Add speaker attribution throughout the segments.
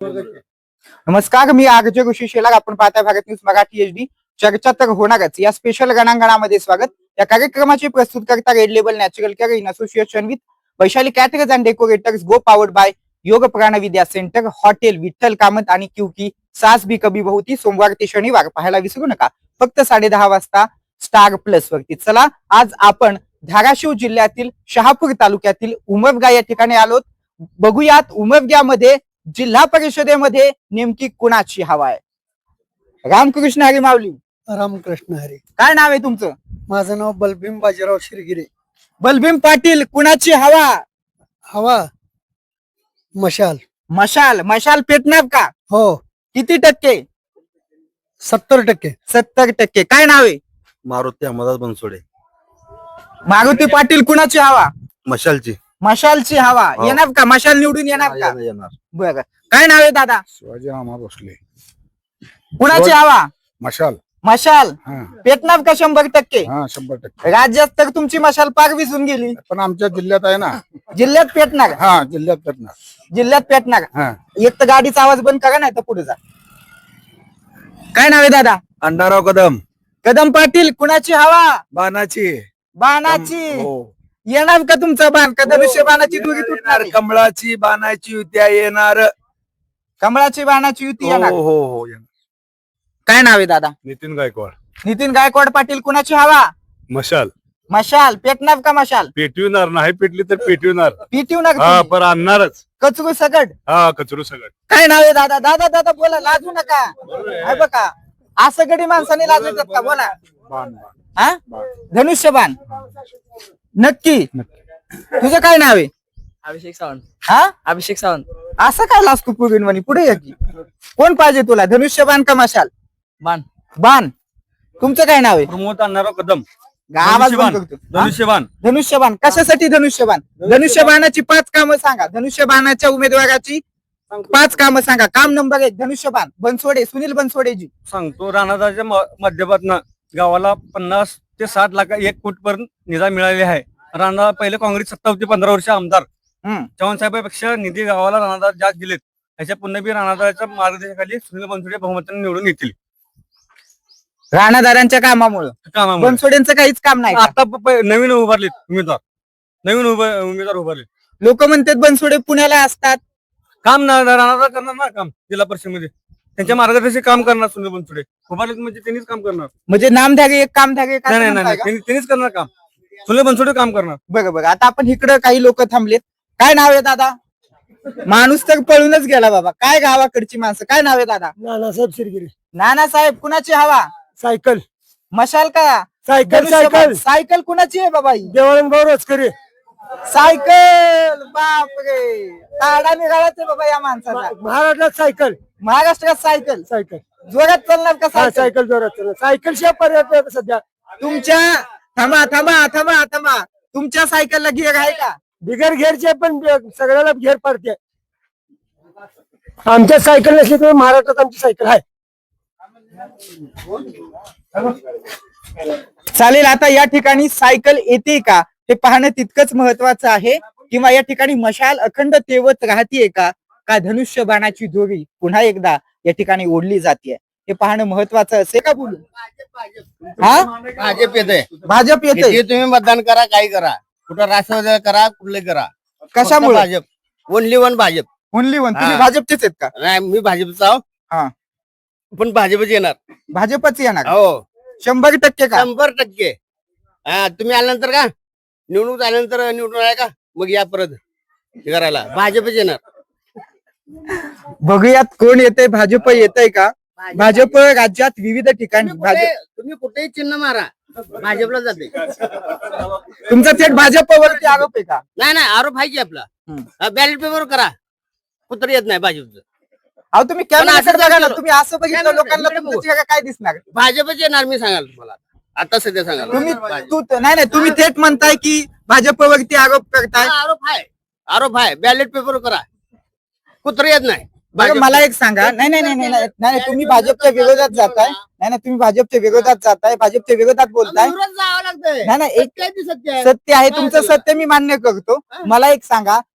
Speaker 1: नमस्कार, मी आरजे ऋषी शेलार. आपण पाहता भारत न्यूज मराठी HD. चर्चा तर होणारच. या स्पेशल रणांगणामध्ये स्वागत. या कार्यक्रमाची प्रस्तुत करता red label natural care in association with Vaishali caterers and decorators, go powered by Yog Pranvidya centre, hotel Vitthal Kamat आणि क्यूकी सास बी कभी बहुती. सोमवार ते शनिवार पाहायला विसरू नका. फक्त 10:30 वाजता स्टार प्लस वरती. चला, आज आपण धाराशिव जिल्ह्यातील शहापूर तालुक्यातील उमरगा या ठिकाणी आलोत. बघूयात उमरग्यामध्ये जिल्हा परिषदेमध्ये नेमकी कुणाची हवा आहे. रामकृष्ण हरी माऊली.
Speaker 2: रामकृष्ण हरी.
Speaker 1: काय नाव आहे तुमचं?
Speaker 2: माझं नाव बलभीम बाजीराव शिरगिरे.
Speaker 1: बलभीम पाटील, कुणाची हवा?
Speaker 2: हवा मशाल.
Speaker 1: मशाल. मशाल पेटणार का?
Speaker 2: हो.
Speaker 1: किती टक्के?
Speaker 2: 70%.
Speaker 1: 70%. काय नाव आहे?
Speaker 3: मारुती अहमदाबाद बनसोडे.
Speaker 1: मारुती पाटील, कुणाची हवा?
Speaker 3: मशालची.
Speaker 1: मशालची हवा.
Speaker 3: हो.
Speaker 1: येणार का? मशाल निवडून येणार का?
Speaker 3: येणार.
Speaker 1: बरं. काय नाव आहे दादा?
Speaker 4: शिवाजी रामा भोसले.
Speaker 1: कुणाची हवा?
Speaker 4: मशाल.
Speaker 1: मशाल
Speaker 4: हा
Speaker 1: पेटणार का? 100%.
Speaker 4: हा 100%.
Speaker 1: राज्यात तर तुमची मशाल पार विसून गेली.
Speaker 4: पण आमच्या जिल्ह्यात आहे ना.
Speaker 1: जिल्ह्यात पेटणार.
Speaker 4: हा जिल्ह्यात पेटणार.
Speaker 1: जिल्ह्यात पेटणार.
Speaker 4: हा
Speaker 1: एक तर गाडीचा आवाज बंद करा, नाही तर पुढे जा. काय नाव आहे दादा?
Speaker 3: अण्णाराव कदम.
Speaker 1: कदम पाटील, कुणाची हवा?
Speaker 3: बाणाची.
Speaker 1: बाणाची.
Speaker 3: हो.
Speaker 1: येणार का तुमचा बाण? का धनुष्य बाणाची दुरी तुटणार?
Speaker 3: कमळाची बाणाची युत्या येणार.
Speaker 1: कमळाची बाणाची युती
Speaker 3: हो
Speaker 1: येणार.
Speaker 3: हो हो येणार.
Speaker 1: काय नाव आहे दादा?
Speaker 4: नितीन गायकवाड.
Speaker 1: नितीन गायकवाड पाटील, कुणाची हवा?
Speaker 4: मशाल.
Speaker 1: मशाल पेटणार का? मशाल
Speaker 4: पेटविणार नाही पेटली तर पेटविणार.
Speaker 1: पिटवणार
Speaker 4: हा
Speaker 1: तुम्ही?
Speaker 4: पर आणणारच.
Speaker 1: कचरू सगट.
Speaker 4: हा कचरू सगळं.
Speaker 1: काय नाव आहे दादा? दादा दादा बोला, लाजू नका. हे बघा, असं गडी माणसाने लाजू येतात का? बोला.
Speaker 4: बाण
Speaker 1: हा धनुष्यबाण. नक्की. तुझं काय नाव आहे?
Speaker 5: अभिषेक सावंत.
Speaker 1: हा
Speaker 5: अभिषेक सावंत.
Speaker 1: असं काय लाजतो पुढे पुढे ये की. कोण पाहिजे तुला, धनुष्यबाण का मशाल?
Speaker 5: बाण.
Speaker 1: बाण. तुमचं काय नाव आहे?
Speaker 3: प्रमोद अण्णाराव कदम.
Speaker 1: आवाज बंद करतो. हा?
Speaker 3: धनुष्यबाण.
Speaker 1: धनुष्यबाण. कशासाठी धनुष्यबाण? धनुष्यबाणाची 5 कामं सांगा. धनुष्यबाणाच्या उमेदवाराची 5 कामं सांगा. काम नंबर 1, धनुष्यबाण. बनसोडे, सुनील बनसोडेजी.
Speaker 3: सांगतो, राणादाच्या माध्यमातून गावाला 50 ते 60 लाख 1 कोटी पर्यंत निधी मिळालेली आहे. राणा पहिले काँग्रेस सत्ता होती, 15 वर्ष आमदार. चव्हाण साहेबांपेक्षा निधी गावाला राणादार जास्त दिलेत. त्याच्या पुन्हा बी राणादाच्या मार्गदर्शनाखाली सुनील बनसोडे बहुमताने निवडून येतील.
Speaker 1: राणादारांच्या कामामुळे.
Speaker 3: कामामुळे
Speaker 1: बनसोडेंचं काहीच काम नाही.
Speaker 3: आता नवीन उभारलेत उमेदवार. नवीन उमेदवार उभारले.
Speaker 1: लोक म्हणतात बनसोडे पुण्याला असतात.
Speaker 3: काम ना राणादार करणार ना काम जिल्हा परिषदेमध्ये. त्यांच्या मार्गदर्शक काम करणार सुनील बनसोडे. उभारलेत म्हणजे त्यांनीच काम करणार.
Speaker 1: म्हणजे नामधारी एक कामधारी एक असं
Speaker 3: नाही
Speaker 1: म्हणताय का?
Speaker 3: त्यांनीच करणार काम. सुनील बनसोडे काम करणार.
Speaker 1: बघा बघा, आता आपण इकडं काही लोक थांबलेत. काय नाव आहे दादा? माणूस तर पळूनच गेला बाबा. काय गावाकडची माणसं. काय नाव आहे दादा?
Speaker 2: नानासाहेब शिरगिरे.
Speaker 1: नानासाहेब, कुणाची हवा?
Speaker 2: सायकल.
Speaker 1: मशाल का?
Speaker 2: सायकल. सायकल.
Speaker 1: सायकल कुणाची आहे बाबा ही?
Speaker 2: देवाळण भाऊ रोजकरे.
Speaker 1: सायकल. बापरे, ताडा निघालाच आहे बाबा या माणसाला.
Speaker 2: महाराष्ट्रात सायकल.
Speaker 1: महाराष्ट्रात सायकल.
Speaker 2: सायकल.
Speaker 1: जोरात चालणार का
Speaker 2: हा
Speaker 1: सायकल?
Speaker 2: सायकल जोरात चालणार. सायकल शिवाय पर्याय नाही सध्या.
Speaker 1: तुमच्या थांबा थांबा थांबा थांबा तुमच्या सायकलला गिअर आहे का?
Speaker 2: बिगर घेरचे पण सगळ्याला घेर पडते. आमच्या सायकल नसली तर महाराष्ट्रात आमची सायकल आहे.
Speaker 1: चालेल. आता या ठिकाणी सायकल येते का हे पाहणं तितकंच महत्वाचं आहे. किंवा या ठिकाणी मशाल अखंड तेवत राहतीये का? का धनुष्य बाणाची दोरी पुन्हा एकदा या ठिकाणी ओढली जाते हे पाहणं महत्वाचं असेल का? बोलू. हा
Speaker 6: भाजप येते.
Speaker 1: भाजप येते.
Speaker 6: किती तुम्ही मतदान करा, काही करा, कुठं राष्ट्रवादी करा, कुठले करा,
Speaker 1: कशामुळे?
Speaker 6: फक्त Bhajap. Only one Bhajap.
Speaker 1: Only one. तुम्ही
Speaker 6: हा.
Speaker 1: भाजपचेच आहेत का?
Speaker 6: नाही, मी भाजपचा आहो.
Speaker 1: हा.
Speaker 6: पण भाजपच येणार.
Speaker 1: भाजपच येणार.
Speaker 6: हो
Speaker 1: 100% का?
Speaker 6: 100%. हा, तुम्ही आल्यानंतर का निवडणूक आल्यानंतर निवडून आहे का मग या परत हे करायला भाजपच येणार.
Speaker 1: बघूयात कोण येते. भाजप येतंय का? भाजप राज्यात विविध ठिकाणी
Speaker 6: तुम्ही कुठेही चिन्ह मारा, भाजपला जाते.
Speaker 1: तुमचा थेट भाजपवरती आरोप आहे का?
Speaker 6: नाही नाही, आरोप आहे की आपला. बॅलेट पेपर करा, कुत्र येत नाही भाजपचं.
Speaker 1: अहो तुम्ही
Speaker 6: पण
Speaker 1: कॅमेरा
Speaker 6: असं
Speaker 1: बघा ना.
Speaker 6: केलं.
Speaker 1: तुम्ही असं बघितलं
Speaker 6: कॅमेरा-
Speaker 1: लोकांना
Speaker 6: कॅमेरा
Speaker 1: तुमचं चेहरा काय दिसणार?
Speaker 6: भाजपच येणार, मी सांगाल तुम्हाला आता सध्या सांगाल.
Speaker 1: तुम्ही नाही नाही, तुम्ही थेट म्हणताय की भाजपवरती आरोप करताय.
Speaker 6: आरोप आहे. बॅलेट पेपर करा, कुत्र येत नाही.
Speaker 1: बरं, मला एक सांगा. नाही नाही नाही नाही नाही नाही, तुम्ही भाजपच्या विरोधात जाताय. नाही नाही, तुम्ही भाजपच्या विरोधात जाताय, भाजपच्या विरोधात बोलताय.
Speaker 6: विरोधात जावं लागतंय.
Speaker 1: नाही नाही, एक
Speaker 6: सत्य आहे ते सत्य आहे.
Speaker 1: सत्य आहे तुमचं. सत्य मी मान्य करतो. मला एक सांगा,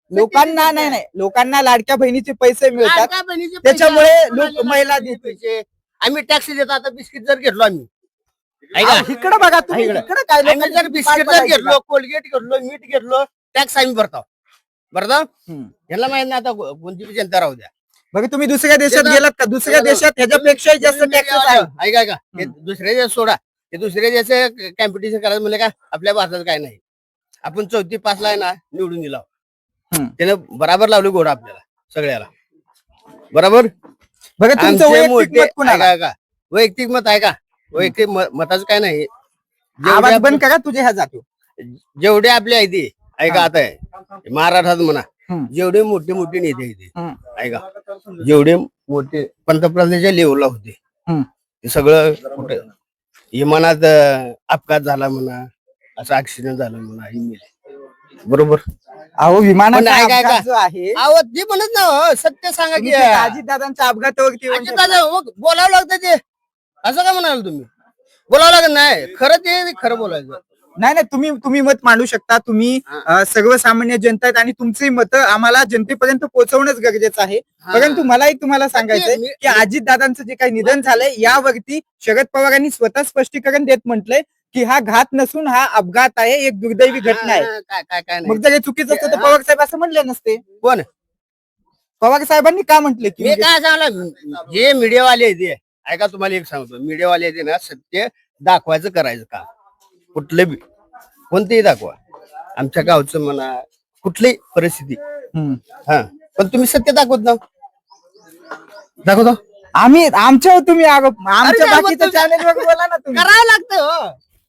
Speaker 1: लोकांना नाही लोकांना लाडक्या बहिणीचे पैसे मिळतात
Speaker 6: लाडक्या बहिणीचे पैसे
Speaker 1: त्याच्यामुळे
Speaker 6: आपण
Speaker 1: लोक
Speaker 6: आलेले
Speaker 1: महिला
Speaker 6: लाडक्या
Speaker 1: देतील.
Speaker 6: पैसे. आम्ही टॅक्स देतो आता बिस्किट जर घेतलो आम्ही ऐका
Speaker 1: इकडे बघा तुम्ही
Speaker 6: इकडं.
Speaker 1: इकडे काय
Speaker 6: आम्ही
Speaker 1: लोकांची
Speaker 6: जर बिस्किट
Speaker 1: पाठ
Speaker 6: जर
Speaker 1: पडायची
Speaker 6: घेतलो कोलगेट घेतलो मीठ घेतलो टॅक्स आम्ही भरतो
Speaker 1: हम्म.
Speaker 6: यांना माहित नाही आता कोणती बी जनता राहू द्या
Speaker 1: बघा तुम्ही दुसऱ्या देशात
Speaker 6: त्याला-
Speaker 1: गेलात का दुसऱ्या
Speaker 6: त्याला-
Speaker 1: देशात ह्याच्यापेक्षाही जास्त टॅक्सेस आहे
Speaker 6: ऐका ऐका हे दुसऱ्या देश सोडा ते दुसऱ्या देश कॉम्पिटिशन करायचं म्हणजे का आपल्या भारतात काय नाही आपण 4-5 ला आहे ना निवडून दिला
Speaker 1: हम्म.
Speaker 6: त्यानं बराबर लावली घोडा आपल्याला सगळ्याला बरोबर
Speaker 1: बघा तुमचं
Speaker 6: आमचे
Speaker 1: वैयक्तिक
Speaker 6: मोठे
Speaker 1: मत कुणाला?
Speaker 6: ऐका वैयक्तिक मत आहे का वैयक्तिक मताचं काय नाही
Speaker 1: आवाज
Speaker 6: जेवढे
Speaker 1: बंद करा तुझे ह्या जातो
Speaker 6: जेवढे आपले आहे ते ऐका आता आहे महाराष्ट्रात म्हणा
Speaker 1: हम्म.
Speaker 6: जेवढे मोठे मोठे नेते आहे ते
Speaker 1: हम्म.
Speaker 6: ऐका जेवढे मोठे पंतप्रधानाच्या लेवलला होते
Speaker 1: हम्म.
Speaker 6: ते सगळं कुठे विमानात अपघात झाला म्हणा असं ऍक्सिडेंट झाला म्हणा हे मेले बरोबर
Speaker 1: अहो विमानाचा
Speaker 6: पण ऐका,
Speaker 1: अपघात
Speaker 6: ऐका.
Speaker 1: जो आहे
Speaker 6: अहो ते म्हणत ना हो, सत्य सांगा की
Speaker 1: दादांच्या अपघातावरती येऊन
Speaker 6: अजित दादा मग बोलावं लागतं ते असं का म्हणाल तुम्ही बोलावं लागत नाही खरं ते खरं बोलायचं
Speaker 1: नाही तुम्ही मत मांडू शकता तुम्ही सर्वसामान्य जनता आहेत आणि तुमची मतं आम्हाला जनतेपर्यंत पोहोचवणंच गरजेचं आहे परंतु मलाही तुम्हाला सांगायचंय की अजितदादांचं जे काही निधन झालंय यावरती शरद पवारांनी स्वतः स्पष्टीकरण देत म्हटलंय की हा घात नसून हा अपघात आहे एक दुर्दैवी घटना आहे
Speaker 6: काय काय काय
Speaker 1: मग जर हे चुकीचं असतं तर पवार साहेब असं म्हणले नसते
Speaker 6: कोण
Speaker 1: पवार साहेबांनी का म्हटले की
Speaker 6: मी काय सांगलं जे मीडियावाले आहेत ते ऐका तुम्हाला एक सांगतो मीडियावाले आहेत ना सत्य दाखवायचं करायचं का कुठलं बी कोणतेही दाखवा आमच्या गावचं म्हणा कुठलीही परिस्थिती हा पण तुम्ही सत्य दाखवत ना दाखवतो
Speaker 1: आम्ही आमच्या तुम्ही आमच्या
Speaker 6: अरे,
Speaker 1: बाकीच्या
Speaker 6: मग
Speaker 1: चॅनेलवर बोला ना तुम्ही
Speaker 6: करावं लागतं हो.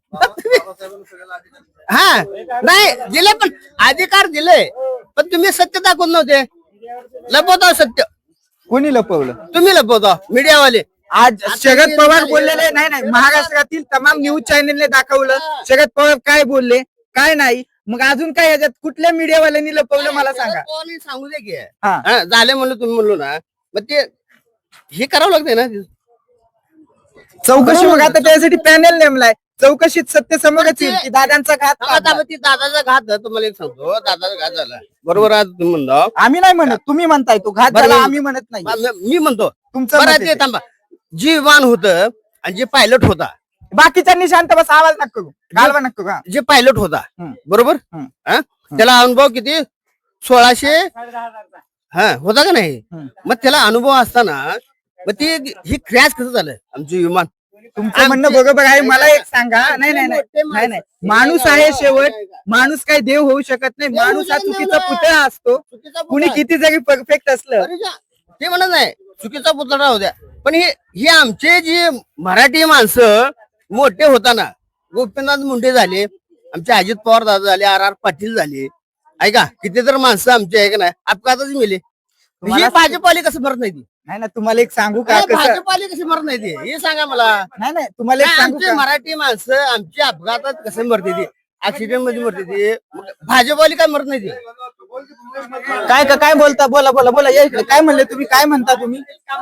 Speaker 6: हा नाही दिले पण अधिकार दिले पण तुम्ही सत्य दाखवत नव्हते लपवता सत्य
Speaker 1: कोणी लपवलं
Speaker 6: तुम्ही लपवता मीडियावाले
Speaker 1: आज शरद पवार बोललेले नाही महाराष्ट्रातील तमाम न्यूज चॅनेलने दाखवलं शरद पवार काय बोलले काय नाही मग अजून काय याच्यात कुठल्या मीडियावाल्यांनी लपवलं मला सांगा
Speaker 6: कोणी सांगू दे की
Speaker 1: हा.
Speaker 6: हा, झाले म्हणलं तुम्ही म्हणलो ना मग ते हे करावं लागतंय ना
Speaker 1: चौकशी मग आता त्यासाठी पॅनेल नेमलाय चौकशीत सत्य समोरच येईल की दादांचा घात का
Speaker 6: आता
Speaker 1: अपघात?
Speaker 6: ती दादाचा घात झाला, तुम्हाला एक सांगतो दादाचा घात झाला बरोबर आहे तुम्ही म्हणतो
Speaker 1: आम्ही नाही म्हणत तुम्ही म्हणताय तो घात
Speaker 6: बरं,
Speaker 1: झाला
Speaker 6: मी-
Speaker 1: आम्ही म्हणत नाही
Speaker 6: मी म्हणतो
Speaker 1: तुमचं
Speaker 6: बरं
Speaker 1: मत
Speaker 6: ते
Speaker 1: आहे ते.
Speaker 6: थांबा जी विमान होतं आणि जे पायलट होता
Speaker 1: बाकीच्यांनी शांत बस आवाज नका करू घालवा नका करू, हा.
Speaker 6: जे पायलट होता
Speaker 1: हम्म.
Speaker 6: बरोबर
Speaker 1: हम्म.
Speaker 6: हा? त्याला अनुभव किती 1600 हा होता का नाही
Speaker 1: हम्म.
Speaker 6: मग त्याला अनुभव असताना मग ते ही क्रॅश कसं झालं आमचं विमान
Speaker 1: तुमचं म्हणणं बरोबर आहे मला एक सांगा नाही माणूस आहे शेवट माणूस काही देव होऊ शकत नाही माणूस हा चुकीचा पुतळा असतो
Speaker 6: चुकीचा
Speaker 1: कुणी
Speaker 6: पुतळा.
Speaker 1: किती जरी परफेक्ट असलं
Speaker 6: अरे जा, ते म्हणत नाही चुकीचा पुतळा राहू द्या पण हे आमचे जे मराठी माणसं मोठे होताना गोपीनाथ मुंडे झाले आमचे अजित पवार दादा झाले RR पाटील झाले ऐका किती तर माणसं आमचे आहे का नाही अपघातच मिले ही
Speaker 1: तुम्हाला-
Speaker 6: भाजपाली कसं मरत नाही ती
Speaker 1: नाही तुम्हाला एक सांगू का कसं
Speaker 6: भाजपाली कशी मरत नाही ती हे सांगा मला
Speaker 1: नाही तुम्हाला एक सांगू
Speaker 6: आमचे
Speaker 1: का
Speaker 6: मराठी माणसं आमची अपघातात कसं मरते ती ऍक्सिडेंट मध्ये मरते ती भाजपवाली काय मरत नाही ती
Speaker 1: काय बोलता बोला या इकडे काय म्हणले तुम्ही काय म्हणता तुम्ही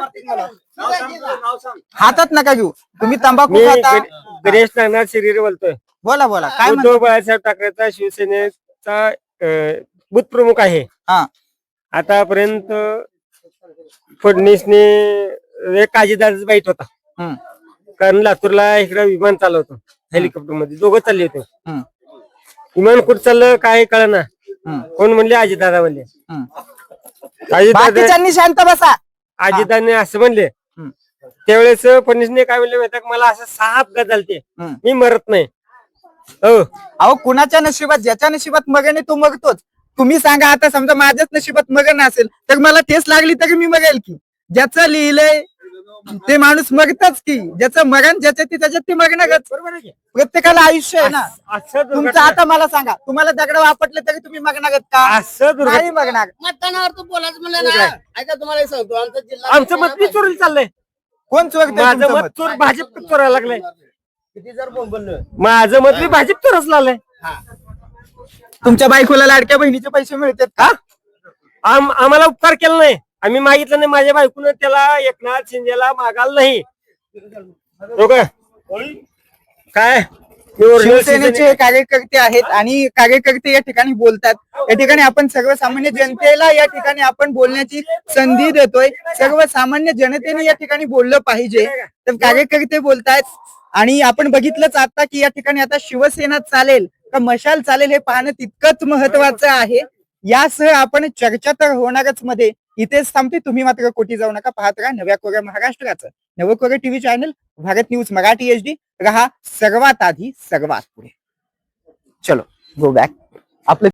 Speaker 1: हातात नका घेऊ तुम्ही तंबाखू
Speaker 2: मी
Speaker 1: खाता
Speaker 2: गणेश नागनाथ शिरीर बोलतोय
Speaker 1: बोला काय म्हणता
Speaker 2: उद्धव बाळासाहेब ठाकरेचा शिवसेनेचा बूथ प्रमुख आहे
Speaker 1: हा
Speaker 2: आतापर्यंत फडणवीसने एक अजितदादाचा बाईट होता
Speaker 1: हम्म,
Speaker 2: कारण लातूरला इकडे विमान चालवतो हेलिकॉप्टर मध्ये दोघं चालले होते
Speaker 1: हम्म,
Speaker 2: विमान कुठं चाललं काय कळना
Speaker 1: हम्म,
Speaker 2: कोण म्हणले अजितदादा म्हणले
Speaker 1: हम्म.
Speaker 2: अजितदादा
Speaker 1: बाकीच्यांनी शांत बसा
Speaker 2: अजितदादाने असं म्हणले
Speaker 1: हम्म.
Speaker 2: त्यावेळेस फडणवीसने काय म्हणले माहिती का, मला असं 6 अपघात झालते
Speaker 1: हम्म.
Speaker 2: मी मरत नाही हो
Speaker 1: अहो कुणाच्या नशिबात ज्याच्या नशिबात मगन आहे तो मगतोच तुम्ही सांगा आता समजा माझ्याच नशिबात मगन असेल तर मला ठेस लागली तरी मी मगेल की ज्याचं लिहिलंय ते माणूस मगतच की ज्याचं मगन ज्याच्या त्याच्यात ते मगनच प्रत्येकाला आयुष्य आहे ना
Speaker 2: असं
Speaker 1: तुमचं
Speaker 2: दुर्घटना
Speaker 1: आता मला सांगा तुम्हाला दगड वापरले तरी तुम्ही मगनागत का
Speaker 2: असं दुर्घटना
Speaker 1: नाही मगनाग
Speaker 6: मतदानावर तू बोलायचं म्हणलं ना ऐका तुम्हाला एक सांगतो आमचा जिल्हा
Speaker 2: आमचं मत बी चोरी चाललंय
Speaker 1: कोण चोरतंय
Speaker 2: माझं
Speaker 1: तुमचं
Speaker 2: मत
Speaker 1: मत?
Speaker 2: चोर भाजप चोरायला लागलंय
Speaker 6: किती जर बोंबललं
Speaker 2: माझं मत बी भाजप चोरच लागलंय
Speaker 1: तुमच्या बायकोला लाडक्या बहिणीचे पैसे मिळतात का
Speaker 2: आम्हाला उपकार केला नाही आम्ही मागितलं नाही माझ्या बायकोनं त्याला एकनाथ शिंदेला मागायला नाही हो का? काय हे original
Speaker 1: शिवसेनेचे हे कार्यकर्ते आहेत आणि कार्यकर्ते या ठिकाणी बोलतात. या ठिकाणी आपण सर्वसामान्य जनतेला या ठिकाणी आपण बोलण्याची संधी देतोय. सर्वसामान्य जनतेने या ठिकाणी बोललं पाहिजे. तर कार्यकर्ते बोलतायत आणि आपण बघितलंच आता की या ठिकाणी आता शिवसेना चालेल का मशाल चालेल हे पाहणं तितकंच महत्वाचं आहे. यासह आपण चर्चा तर होणारच मध्ये इथेच थांबते. तुम्ही मात्र कोटी जाऊ नका. पाहत राहा नव्या कोऱ्या महाराष्ट्राचं नवं कोऱ्या TV channel Bharat news Marathi HD. रहा सर्वात आधी सर्वात पुढे. चलो गो बॅक. आपलं